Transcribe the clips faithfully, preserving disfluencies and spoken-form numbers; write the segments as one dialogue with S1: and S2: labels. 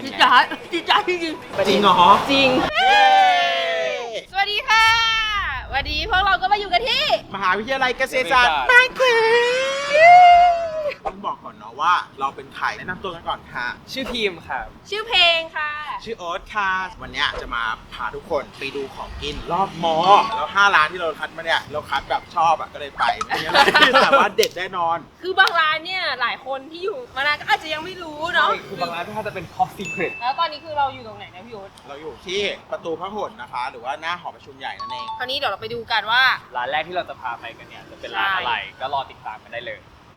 S1: จิจ๋าจิจ๋าจริง
S2: จริงเหรอ
S1: จริงสวัสดีค่ะวันนี้พวกเราก็มาอยู่กันที่
S2: มหาวิทยาลัยเกษตรศาสตร์มากเลยต้องบอกก่อนเนาะว่าเราเป็นใครแนะนำตัวกันก่อนค่ะ
S3: ชื่อทีมครับ
S1: ชื่อเพลงค่ะ
S2: ชื่อโอ๊ตค่ะ วันเนี้ยจะมาพาทุกคนไปดูของกินรอบมอ แล้วห้าร้านที่เราคัดมาเนี่ยเราคัดแบบชอบอ่ะก็เลยไปไม่งั้นแต่ว่าเด็ดแน่นอน
S1: คือบางร้านเนี่ยหลายคนที่อยู่มานานก็อาจจะยังไม่รู้เนาะ
S3: คือบางร้านถ้าจะเป็น top secret
S1: แล้วตอนนี้คือเราอยู่ตรงไหนนะพี่โอ๊ต
S2: เราอยู่ที่ประตูพระหลนะคะ หรือว่าหน้าหอประชุมใหญ่นั่นเอง
S1: คราวนี้เดี๋ยวเราไปดูกันว่า
S3: ร้านแรกที่เราจะพาไปกันเนี่ยจะเป็นร้านอะไรก็รอติดตามกันได้เลย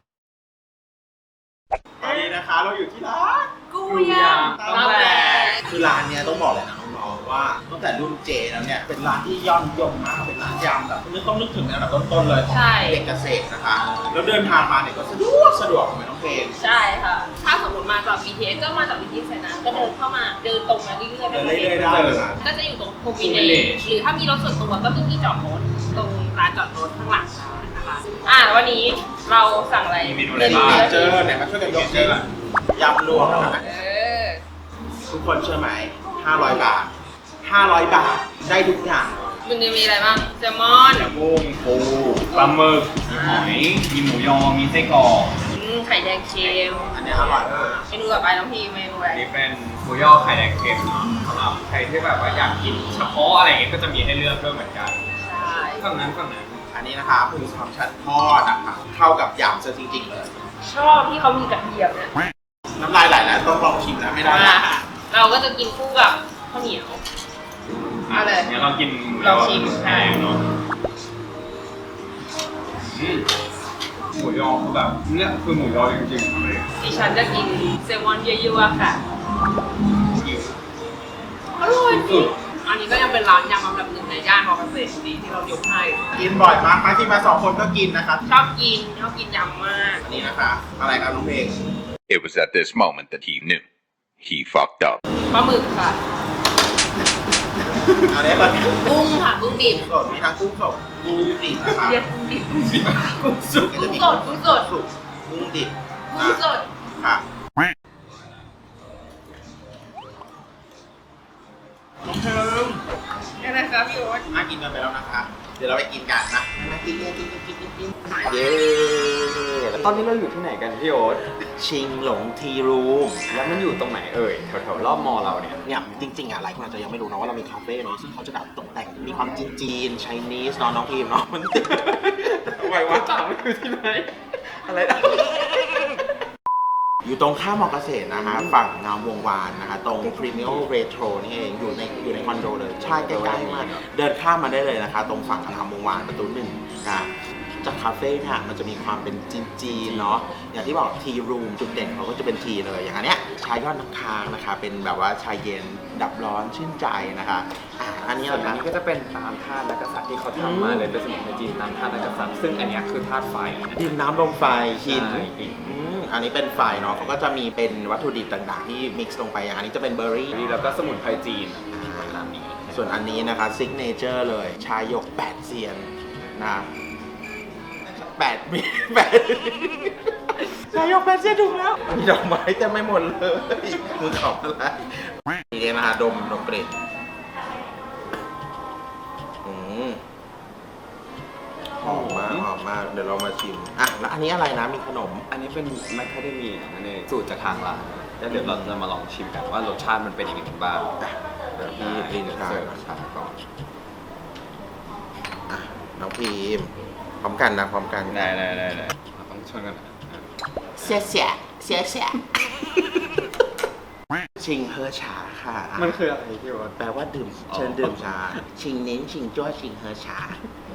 S2: ตอนนี้นะคะเราอยู่ที่ร้าน
S1: กูยาม
S3: ตำแหล
S2: คือร้านเนี้ยต้องบอกเลยนะน้องๆว่าตั้งแต่รุ่นเจแล้วเนี่ยเป็นร้านที่ยอดนิยมมากเป็นร้านยำแบบนึกต้องนึกถึงในอันดับต้นๆเลยของเด็กเกษตรนะคะแล้วเดินทางมาเนี่ยก็สะดวกสะดวกเหมือนน้องเพลง
S1: ใช่ค่ะ ถ้าสมมติมาจาก บี ที เอส ก็มาจาก บี ที เอส นะก็เดินเข้ามาเดินตรงมาเรื่อยๆ
S2: เดินเรื่อยๆได้เลยนะ
S1: ก็จะอยู่ตรงโควินเนหรือถ้ามีรถส่วนตัวก็มีที่จอดรถตรงลานจอดรถข้างหลังนะคะอ่าวันนี้เราสั่งอะไร
S3: มีเมนูอะไรบ้าง
S2: เจอไหนมาช่วยกันยกเจอยำรวมนะคะ
S1: เออ
S2: ทุกคนเชื่อไหมห้าร้อยบาทห้าร้อยบาทได้ทุกอย่าง
S1: มันจะมีอะไรบ้างแซลมอน
S3: มีกุ้งปูปลาหมึกมีหอย มีหมูยอ มีไส้กรอก
S1: อืมไข่แดงเค็ม
S2: อันนี้อร่อยมาก
S1: เมนูต่อไปน้องพีเมนูอะไร
S3: อันนี้เป็นหมูยอไข่แดงเค็มเนาะสำหรับใครที่แบบว่าอยากกินเฉพาะอะไรอย่างเงี้ยก็จะมีให้เลือกด้วยเหมือนกัน
S1: ใช่
S3: ฝั่งนั้นฝั่งนั้น
S2: อันนี้นะคะหมูสามชั้นทอดนะคะเข้ากับยำซะจริงๆเลย
S1: ชอบที่เขามีกระเทียมเนี่ย
S2: น้ำลายไหลแล้วต้องลองชิมแล้วไม่ได้
S1: อ่าเราก็จะกินคู่กับข้าวเหนียว เอาเลย
S3: งั้นเรากิน
S1: ลองชิม
S3: แห้งเนาะอืมหมูยอคือแบบเนี่ยคือหมูยอจริงๆเลย
S1: ดิฉันจะกินแซลมอนเยอะๆค่ะ อร่อยจริงอันนี้ก็ยังเป็นร้านยำอันดับหนึ่งในย่านมอเกษตรดีที่เรายกให้
S2: กินบ่อยมากมาที่มาสองคนก็กินนะครับ
S1: ชอบกินชอบกินยำมาก
S2: อันนี้นะคะอะไรครับน้องเพลง
S4: It was at this moment that he knew. He fucked up.
S1: ปลาหมึกค่ะ
S2: อันนี้ก่อน
S1: กุ้งค่ะกุ้งดิบ
S2: สดมีทั้งกุ้งสดกุ้งดิบนะคะ
S1: เรียกกุ้งดิบกุ้งดิบ
S2: กุ้งสุก
S1: กุ้งสดกุ้งสด
S2: สุกกุ้งดิบ
S1: กุ้งสด
S2: ค่ะน้องเพลง
S1: นี่นะครับพี่โอ๊ต
S2: น่ากินกันไปแล้วนะคะ เดี๋ยวเราไปกินกันนะมากินกินกินกินกินกินเย้
S3: ตอนนี้เราอยู่ที่ไหนกันพี่โอ๊ต
S2: ชิงหลงทีรูม
S3: แล้วมันอยู่ตรงไหนเอ่ยแถวๆรอบมอเราเนี่ย
S2: เนี่ยจริงๆอ่ะหลายคนอาจจะยังไม่รู้นะว่าเรามีคาเฟ่เนาะซึ่งเขาจะแบบตกแต่งมีความจีนจีนไชนีสเนาะน้องพีมเนาะมันทำไมวะ
S3: ถามว่าอยู่ที่ไหน
S2: อะไรนะอยู่ตรงข้ามมอเกษตรนะฮะฝั่งงามวงวานนะคะตรง Premium Retro นี่เองอยู่ในอยู่ในคอนโดเลยใช่ใกล้ๆมากเดินข้ามมาได้เลยนะคะ ตรงฝั่งงามวงวานประตูหนึ่งนะจากคาเฟ่เนี่ยมันจะมีความเป็นจีนๆเนาะอย่างที่บอกทีรูมจุดเด่นเขาก็จะเป็นทีเลยอย่างอันเนี้ยชายยอดน้ำค้างนะคะเป็นแบบว่าชายเย็นดับร้อนชื่นใจนะคะอ่ะอันนี้
S3: ส่วน
S2: นะ
S3: อันนี้ก็จะเป็นตามธาตุนักกษัตริย์ที่เขาทำมาเลยเป็นสมุนไพรจีนตามธาตุนักกษัตริย์ซึ่งอันเนี้ยคือธาตุไฟนะ
S2: ดินน้ำลมไฟหิน
S3: ใช่หิน
S2: อืมอันนี้เป็นไฟเนาะเขาก็จะมีเป็นวัตถุดิบต่างๆที่มิกซ์ลงไปอย่างอันนี้จะเป็นเบอร์รี่
S3: แล้วก็สมุนไพรจีนตามนี้
S2: ส่วนอันนี้นะคะซิกเนเจอร์เลย ชายหยกแปดเซียนนะแปดมีแปดชายหยกแปดเซียนถูกแล้ว มีดอกไม้เต็มไม่หมดเลยคือของอะไรนี่เองนะคะดมดมกลิ่นอืมหอมมากหอมมากเดี๋ยวเรามาชิมอ่ะแล้วอันนี้อะไรนะมีขนม
S3: อันนี้เป็นแมคคาเดเมียนั่นเองสูตรจากทางร้านแล้วเดี๋ยวเราจะมาลองชิมกันว่ารสชาติมันเป็นยังไงบ้างเดี๋ยวพี่ลินเสิร์ฟรสชาติก่อน
S2: อ่ะน้องพีมพร้อมกันนะพร้อมกัน
S3: ได้ได้ได้ได้เราต้องชนกันนะ
S2: เสียเสียเสียเสียชิงเฮอชาค่ะ
S3: มันคืออะไรพี่วอ
S2: แปลว่าดื่ม
S3: อ๋อ
S2: เชิญดื่มชา ชิงเน้นชิงจ้วชิงเฮอชา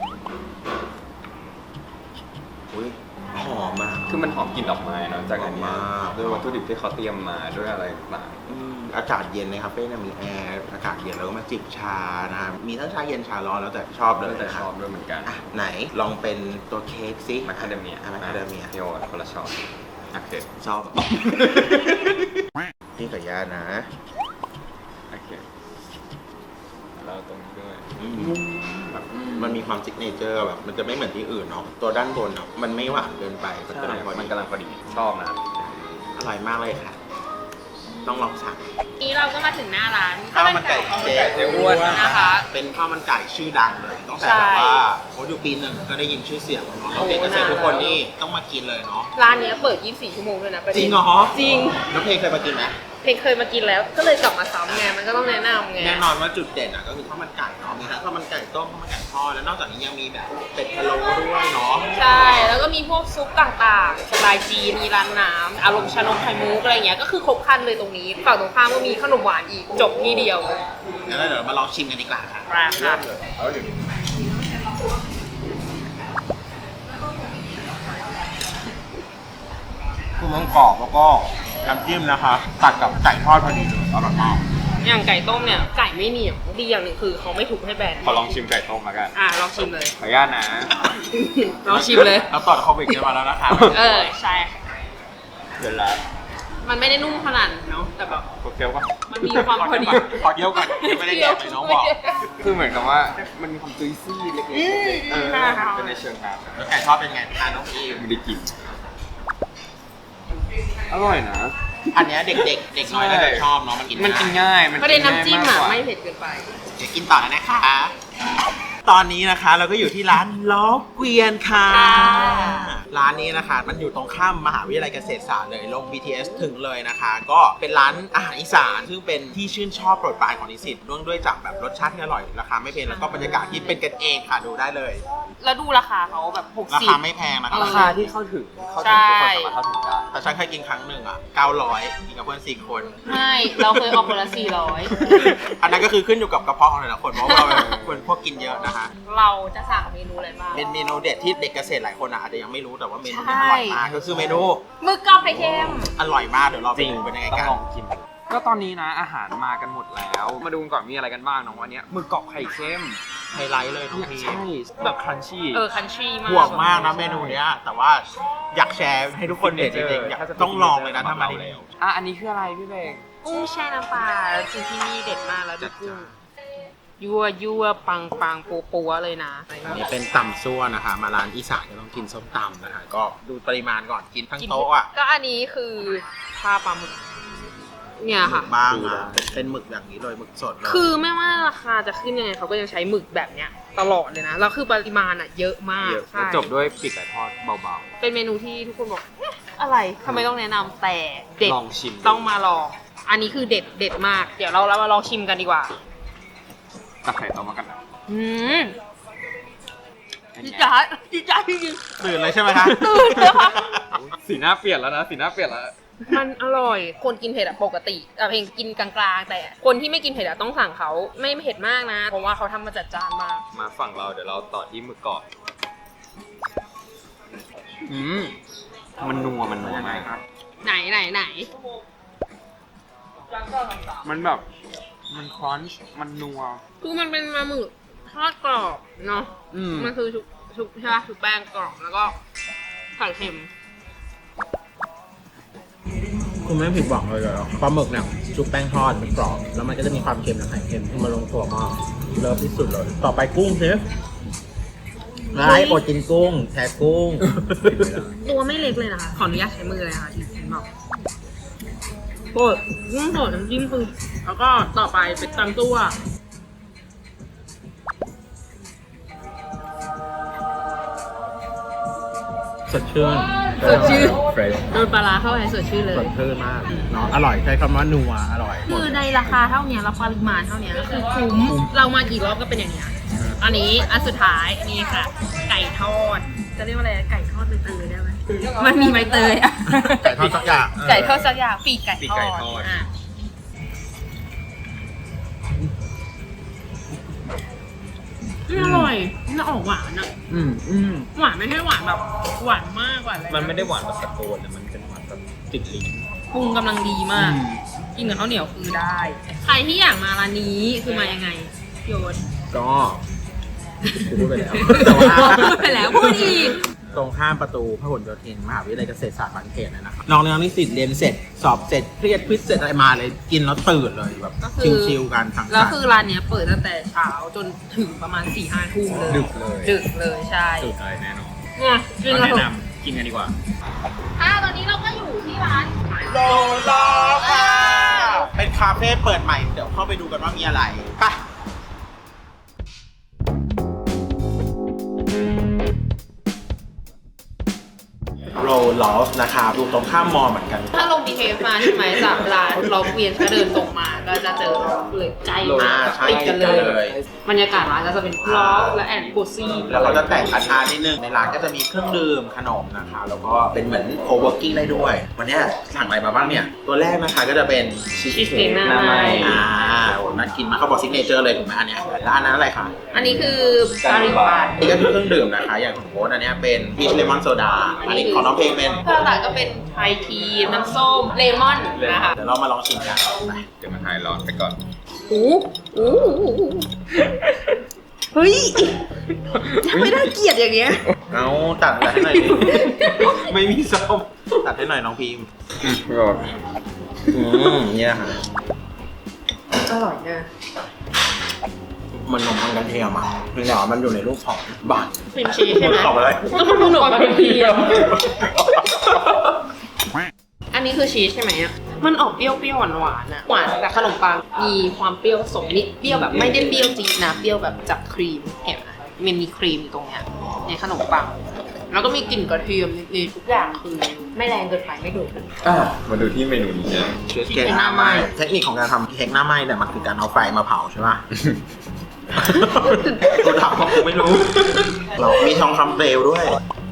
S2: อุ้ยหอมมาก
S3: คือมันหอมกลิ่นดอกไม้เนอะจากอันเนี้ย
S2: หอมมาก
S3: ด้วยวัตถุดิบที่เขาเตรียมมาด้วยอะไรต่าง
S2: อืมอากาศเย็นในคาเฟ่เนี่ยมีแอร์อากาศเย็นแล้วก็มาจิบชานะฮะมีทั้งชาเย็นชาร้อนแล้วแต่ชอบ
S3: ๆ
S2: เล
S3: แล้
S2: ยว
S3: แต่
S2: นะ
S3: ช
S2: คะ
S3: อบด้วยเหมือนกัน
S2: อ่ะไหนลองเป็นตัวเค้กสิ
S3: แมคคาเดเมีย
S2: อ่ะแมคคาเดเมีย
S3: พี่วอคนละช้อนโอเค
S2: ชอบ พี่กับย่านะ
S3: โอเคเราตรงนี้ด้วย
S2: แบบมันมีความซิกเนเจอร์แบบมันจะไม่เหมือนที่อื่นเนาะตัวด้านบนเนาะมันไม่หวานเกินไปมัน
S3: ใช่
S2: กำลังพอ
S3: มัน
S2: ดี
S3: กำลังพอดีชอบนะ
S2: อร่อยมากเลยค่ะต้องลองสั่ง
S1: นี้เราก็มาถึงหน้าร้าน
S2: ข้าวมันไก่เจ๊อ้วน
S1: นะคะ
S2: เป็นข้าวมันไก่ชื่อดังเลยตั้งแต่
S1: ใช่
S2: แบบว่าโอ้อยู่ปีหนึ่งก็ได้ยินชื่อเสียงของน้องเด็กเกษตรทุกคนนี่ต้องมากินเลยเนาะ
S1: ร้านเนี้ยเปิด ยี่สิบสี่ ชั่วโมงด้วยนะประเด็น
S2: จริงเหรอ
S1: จริง
S2: น้องเพลงเคยมากินไหม
S1: เพลงเคยมากินแล้วก็เลยกลับมาซ้ำไงมันก็ต้องแนะนำไง
S2: แน่นอนว่าจุดเด่นอ่ะก็คือข้าวมันไก่เนาะมีทั้งข้าวมันไก่ต้มข้าวมันไก่ทอดแล้วนอกจากนี้ยังมีแบบเป็ดพะโล้ด้วยเนาะ
S1: ใช่ แล้วก็มีพวกซุปต่างๆ สไตล์จีน มีร้านน้ำ อารมณ์ชานมไข่มุกอะไรเงี้ย ก็คือครบครันเลยตรงนี้ ฝั่งตรงข้ามก็มีขนมหวานอีก จบที่เดียว
S2: งั้นเดี๋ยวเรามาลองชิมกันดีกว่าค่ะ
S1: ราคา
S2: คือมันกรอบแล้วก็น้ำจิ้มนะคะ ตัดกับไก่ทอดพอดีเลยอร่อยมาก
S1: อย่างไก่ต้มเนี่ย ไก่ไม่เหนียว ดีอย่างหนึ่งคือเขาไม่ทุบให้แบน
S3: ขอลองชิมไก่ต้มแล้วกัน
S1: อ่ะลองชิมเลย
S3: ขออนุญาตนะ
S1: ลองชิมเลย
S2: แล้วตอนโควิดจะมาแล้วนะคะ
S1: เออ ใช่
S3: เดี๋ยวละ
S1: มันไม่ได้นุ่มขนาดนั้นเนาะ แต่แบบ
S3: โคเคียวป่ะ
S1: มันมีความพอดี
S2: ขอเยี่ยวก่อนยังไม่ได้แดกเลยน้องบอก
S3: คือเหมือนกับว่ามันมีความจุยซี่เล็กๆ
S1: อืม
S3: เออ
S1: ค่ะ
S3: เป็นในเชิงนั้น
S2: แล้วไก่ทอดเป็นไงทานน้องอีม
S3: ไม่ได้กิน อร่อยนะ
S2: อันเนี้ยเด็กๆ เด็กน้อยน่าจะชอบเนาะมันกิน
S3: มันกินง่าย มัน
S1: ประเด็นน้ำจิ้ม
S3: ง่ายากกว่า
S1: อ่ะไม่เผ็ดเกินไป
S2: เดี๋ยวกินต่อแล้วนะคะ ตอนนี้นะคะเราก็อยู่ที่ร้านล้อเกวียนค่ะ
S1: ค่ะ
S2: ร้านนี้นะคะมันอยู่ตรงข้ามมหาวิทยาลัยเกษตรศาสตร์เลยลง บี ที เอส ถึงเลยนะคะ ก็เป็นร้านอาหารอีสานซึ่งเป็นที่ชื่นชอบโปรดปรานของนิสิตเนื่องด้วยจากแบบรสชาติที่อร่อยราคาไม่แพงแล้วก็บรรยากาศที่เป็นกันเองค่ะดูได้เลย
S1: แล้วดูราคาเขาแบบหก
S2: รา
S1: สิบ
S2: คาไม่แพงนะคะ
S3: ราคาที่เข้าถึง เข้าถึงทุกคนสามารถเข้าถึงได้
S2: แต่ฉันเคยกินครั้งหนึ่งอ่ะเก้าร้อยกินกับเพื่อนสี่คน
S1: ไม่ เราเคยออกคนละสี่ร้อย
S2: อันนั้นก็คือขึ้นอยู่กับกระเพาะของแต่ละคนเพราะว่าเราเป็นคนพวกกินเยอะนะคะ
S1: เราจะสั่งเมนูอะไรบ้าง
S2: เป็นเมนูเด็ดที่เด็กเกษตรหลายคนอะอาจจะยังไม่รู้แต่ว่าเมนูเนี้อร่อยมากก็คือเมนู
S1: หมึกกรอบไข่เค็ม
S2: อร่อยมากเดี๋ยวเราไปดูเป็นยังไง
S3: ต้อ
S2: กั
S3: ง
S2: น
S3: ลองกิน ก็ตอนนี้นะอาหารมากันหมดแล้ว มาดูกันก่อนมีอะไรกันบ้างน้องวันนี้หมึกกรอบไข่เค็ม
S2: ไฮไลท์เลยน้องพี
S3: ใช่แบบครันชี่
S1: เออคันทรีมาก
S2: ห่วงมากนะเมนูเนี้ยแต่ว่าอยากแชร์ให้ทุกคนเห็นจริงๆอยากต้องลองเลยนะถ้ามาที่นี่
S3: อ่ะอันนี้คืออะไรพี่เบง
S1: กุ้งแช่น้ำปลาจริงที่นี่เด็ดมากแล้วดูกุ้งยั่วยั่วปังปังปัวปัวเลยนะ
S2: อันนี้เป็นตำซั่วนะคะ มาร้านอีสานก็ต้องกินส้มตำนะคะก็ดูปริมาณก่อนกินทั้งโต๊ะอ่ะ
S1: ก็อันนี้คือปลาปลาหมึกเนี่ย
S2: หมึ
S1: ค่ะ
S2: กบ้างอ่ะเป็นหมึกอย่างนี้เลยหมึกสดเลย
S1: คือไม่ว่าราคาจะขึ้นยังไงเขาก็ยังใช้หมึกแบบเนี้ยตลอดเลยนะแล้วคือปริมาณอ่ะเยอะมาก
S3: เยอะ
S1: ใช่
S3: จบด้วยปีกไก่ทอดเบา
S1: เป็นเมนูที่ทุกคนบอกเอ๊ะอะไรทำไมต้องแนะนำแต่เด็ด
S3: ลองชิม
S1: ต้องมาลองอันนี้คือเด็ดเด็ดมาก เดี๋ยวเราเรามาลองชิมกันดีกว่า
S3: ตักไข่ต้มมากันนะ
S1: อืม
S3: เป็น
S1: จิ
S3: ไง
S1: จ๋าจิจ๋าจริง
S2: ตื่นเลยใช่ไหมคะ
S1: ตื่นเลยค่ะ
S3: สีหน้าเปลี่ยนแล้วนะสีหน้าเปลี่ยนแล้ว
S1: ๆมันอร่อย คนกินเผ็ดอะปกติแต่เพลงกินกลางๆ แต่คนที่ไม่กินเผ็ดอะต้องสั่งเขาไม่เผ็ดมากนะ เพราะว่าเขาทำมาจัดจานมาก
S3: มาฝั่งเราเดี๋ยวเราต่อที่หมึกกรอบอืมมันนัวมันนัวมากครับ
S1: ไหนไหนไหน
S3: มันแบบมันครันช์มันนัว
S1: คือมันเป็นปลาหมึกทอดกรอบเนาะ
S3: อืม
S1: มันคือชุบชุบใช่ปะชุบแป้งกรอบแล้วก็ไข่เค็ม
S2: คุณไม่ผิดหวังเลยเหรอปลาหมึกเนี่ยชุบแป้งทอดมันกรอบแล้วมันก็จะมีความเค็มและไข่เค็มที่มาลงตัวมากเลิฟที่สุดเลยต่อไปกุ้งสิไล่โปรดกินกุ้งแทะกุ้ง
S1: ตัวไม่เล็กเลยนะคะ ขออนุญาตใช้มือเลยค่ะอีกทีบอกโคตรกุ้งสดน้ำจิ้มคือแล้วก็ต่อไปเป็นตำตัว
S2: สดชื่น
S1: สดชื่น
S3: เฟรช
S1: โดนปลาร้าเข้าไปสดชื่นเลย
S2: สดชื่นมากเนาะอร่อยใช้คำว่านัวอร่อย
S1: คือในราคาเท่าเนี้ยแล้วปริมาณเท่าเนี้ยก็คือคุ้ม เรามากี่รอบก็เป็นอย่างเนี้ยอันนี้อันสุดท้ายนี่ค่ะ ไก่ทอด จะเรียกว่าอะไรไก่ทอดใบเตยได้ไหมมันมีใบเตยอะ
S2: ไก่ทอดสักอย่าง
S1: ไก่ทอดสักอย่างปีกไก่
S3: ปีก
S1: ทอ
S3: ไก่
S1: ด
S3: ทอด
S1: อ่ะอืมอร่อยมันออกหวานอ่ะ
S3: อืมอืม
S1: หวานไม่ใช่หวานแบบหวานมากหวานอะไร
S3: มันไม่ได้หวานแบบตะโกนแต่มันเป็นหวานแบบติดลิ้น
S1: ปรุงกำลังดีมาก กินกับข้าวเหนียวคือได้ ใครที่อยากมาร้านนี้คือมายังไงโยน
S2: ก็พูดไปแล้วแต่ว่า
S1: พูดไปแล้วพูดอีก
S2: ตรงข้ามประตูพหลโยธินมหาวิทยาลัยเกษตรศาสตร์บางเขนนะครับน้องน้องนิสิตเรียนเสร็จสอบเสร็จเครียดควิสเสร็จอะไรมาเลยกินแล้วตื่นเลยแบบ
S1: ก็คือ
S2: ชิลๆกันทั้ง
S1: แล้ว
S2: สรร
S1: คือร้านเนี้ยเปิดตั้งแต่เช้าจนถึงประมาณสี่ห้าทุ่มเลย
S3: ดึกเลย
S1: ดึกเลยใช่
S3: สุดเลยแน่นอน
S1: เนี่ยกิน
S3: ก็
S1: กัน
S3: แนะ
S1: เถ
S3: น
S1: อะ
S3: ำกินกันดีกว่า
S1: ค่ะตอนนี้เราก็อยู่ที่ร้าน
S2: โลโลค่ะคาเฟ่เปิดใหม่เดี๋ยวเข้าไปดูกันว่ามีอะไรไปโรลอฟนะครับอยู่ตรงข้ามมอเหมือนกัน
S1: ถ้าลง บี ที เอส มาใช่ไหมจากร้านเราเวียนก็เดินตรงมาก็จะเจอเลยใกล้มาก
S2: ใช่
S1: ติดกันเล
S2: ติดกันเลย
S1: ยบรรยากาศร้านก็จะเป็นล็อกและแอนโกซี่
S2: แล้วเขาจะแต่งอาคารนิดนึงในร้านก็จะมีเครื่องดื่มขนมนะคะแล้วก็เป็นเหมือนโคเวิร์กิ้งได้ด้วย วันนี้สั่งอะไรมาบ้างเนี่ย ตัวแรกนะคะก็จะเป็นชีส
S1: ชีสเค้กหน้าไหม้
S2: อ่าโอ้น่ากินมากเขาบอกซิกเนเจอร์เลยถูกไหมอันเนี้ยแล้วอันนั้นอะไรคะ
S1: อันนี้คือกาลิบัน
S2: นี่ก็คือเครื่องดื่มนะคะ อย่างของโค้ดอันเนี้ยเป็นพีชเลมอนโซดาอันนี้ของน้องเพลงเป็น
S1: ข้าวหลักก็เป็นไทยทีน้ำส้มเลมอนนะคะ
S2: เดี๋ยวเรามาลองชิมกันไป
S3: เดี๋ยวมันหายร้อนไปก่อน
S1: อู้อู้เฮ้ยไม่ได้เกลียดอย่างเงี้ย
S2: เอาตัดให้หน่อยดิ ไม่มีส้มตัดให้หน่อยน้องพีม
S3: ไม่ร้อน
S2: อืมเนี่ยค่ะ
S1: อร่อยนะ
S2: มันขนมปังกระเทียมอ่ะเพียงแต่ว่ามันอยู่ในรูปของบัตร
S1: ครีมชีสใช่ไหม
S2: ขอบอะไร
S1: ก็มันขนมปังกระเทียมอันนี้คือชีสใช่ไหมอ่ะมันออกเปรี้ยวเปรี้ยวหวานหวานๆอะหวานแต่ขนมปังมีความเปรี้ยวผสมนิดเปรี้ยวแบบไม่ได้เปรี้ยวจี๊ดนะเปรี้ยวแบบจากครีมเห็นไหมมันมีครีมอยู่ตรงเนี้ยในขนมปังแล้วก็มีกลิ่นกระเทียมนิดๆทุกอย่างคือไม่แรงเกินไปไม่โดดเกินไป
S3: อ่ะมาดูที่เมนูนี้นะ
S2: เค้กหน้าไหม้เทคนิคของการทำเค้กหน้าไหม้เนี่ยมันคือการเอาไฟมาเผาใช่ป่ะ กูทำเพราะกูไม่รู้ เรามีทองคำเปลวด้วย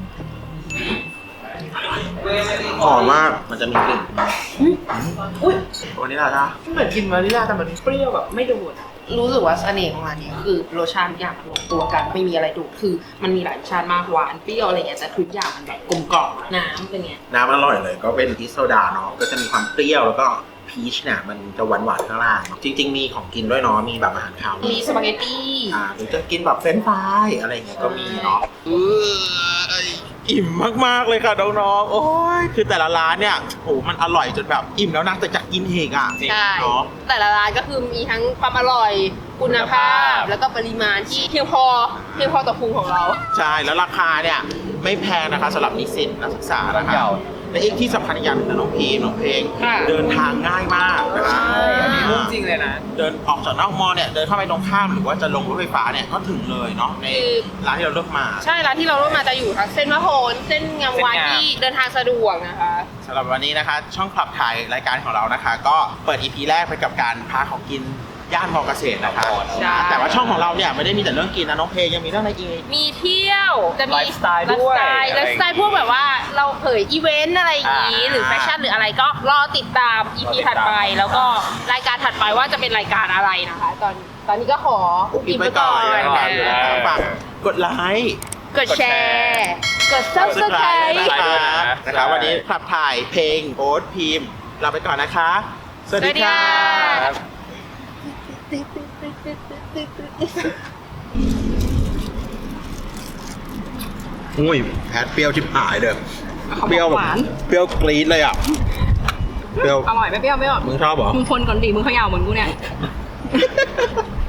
S2: หอมมากมันจะมีกลิ่น
S1: อุ้ย
S2: วันนี้ล่ะจ้า
S1: เหมือนกินวานิลลาแต่มันเปรี้ยวแบบไม่โดดอะรู้สึกว่าเสน่ห์ของร้านนี้คือรสชาติทุกอย่างมันลงตัวกันไม่มีอะไรโดดคือมันมีหลายรสชาติมากหวานเปรี้ยวอะไรเงี้ยแต่ทุกอย่างมันแบบกลมกล่อมน้ำเป็นไง
S2: น้ำมันอร่อยเลยก็เป็นพีชโซดาเนาะก็จะมีความเปรี้ยวแล้วก็พีชเนี่ยมันจะหวานหวานๆข้างล่าง จริง ๆ มีของกินด้วยเนาะมีแบบอาหารคาว
S1: มีสปาเกตตี้
S2: อ่าหรือจะกินแบบเฟรนช์ฟรายอะไรอย่างเงี้ยก็มีเนาะอิ่มมากๆเลยค่ะน้องๆโอ้ยคือแต่ละร้านเนี่ยโอ้มันอร่อยจนแบบอิ่มแล้วนะแต่จะกินอีกอ่ะ
S1: ใช่
S2: เนาะ
S1: แต่ละร้านก็คือมีทั้งความอร่อยคุณภาพ แล้วก็ปริมาณที่เพียงพอเพียงพอต่อพุงของเรา
S2: ใช่แล้วราคาเนี่ยไม่แพงนะคะสำหรับนิสิตนักศึกษานะคะและอีกที่สำคัญอีกอย่างหนึงนะน้องพีน้องเพลง
S1: ค่ะ
S2: เดินทางง่ายมากนะคะ
S3: อันนี้รูปจริงเลยนะ
S2: เดินออกจากนอกมอเนี่ยเดินเข้าไปตรงข้ามหรือว่าจะลงรถไฟฟ้าเนี่ยก็ถึงเลยเนาะในร้านที่เราเลือกมา
S1: ใช่ร้านที่เราเลือกมาจะอยู่ทั้งเส้นมะโหนเส้นงามวาน
S3: เส้นงาม
S1: ที่เดินทางสะดวกนะคะ
S2: สำหรับวันนี้นะคะ ช่องขับถ่ายรายการของเรานะคะ ก็เปิด อี พี แรกไปกับการพาของกินย่านมอเกษตรนะคะ
S1: ใช่
S2: แต่ว่าช่องของเราเนี่ยไม่ได้มีแต่เรื่องกินนะน้องเพลงยังมีเรื่องอะไรอีก
S1: มีเที่ยวจะมี
S3: ไลฟ์สไตล์ด้วย
S1: ไลฟ์สไตล์ไลฟ์สไตล์พวกแบบว่าเราเผยอีเวนต์อะไรอย่างนี้
S2: อ่า
S1: หรือแฟชั่นหรืออะไรก็รอติดตาม อี พี ถัดไป แล้วก็รายการถัดไปว่าจะเป็นรายการอะไรนะคะ ตอนตอนนี้ก็ขอ
S2: กินไปก่อน
S1: นะ
S2: นะคะฝากกดไลค์
S1: กดแชร์ กด subscribe
S2: นะคะนะคะวันนี้ขับถ่ายเพลงโอ๊ตพิมพ์ลาไปก่อนนะคะ สวัสดีค่ะ อุ้ยแพทเปรี้ยวชิบหายเด้อเปรี้ยวแบบเปรี้ยวกรี๊ดเลยอ่ะเปรี้ยว
S1: อร่อยไม่เปรี้ยวไม่อร่อย
S2: มึงชอบเหรอ
S1: มึงคนก่อนดิมึงเขย่าเหมือนกูเนี่ย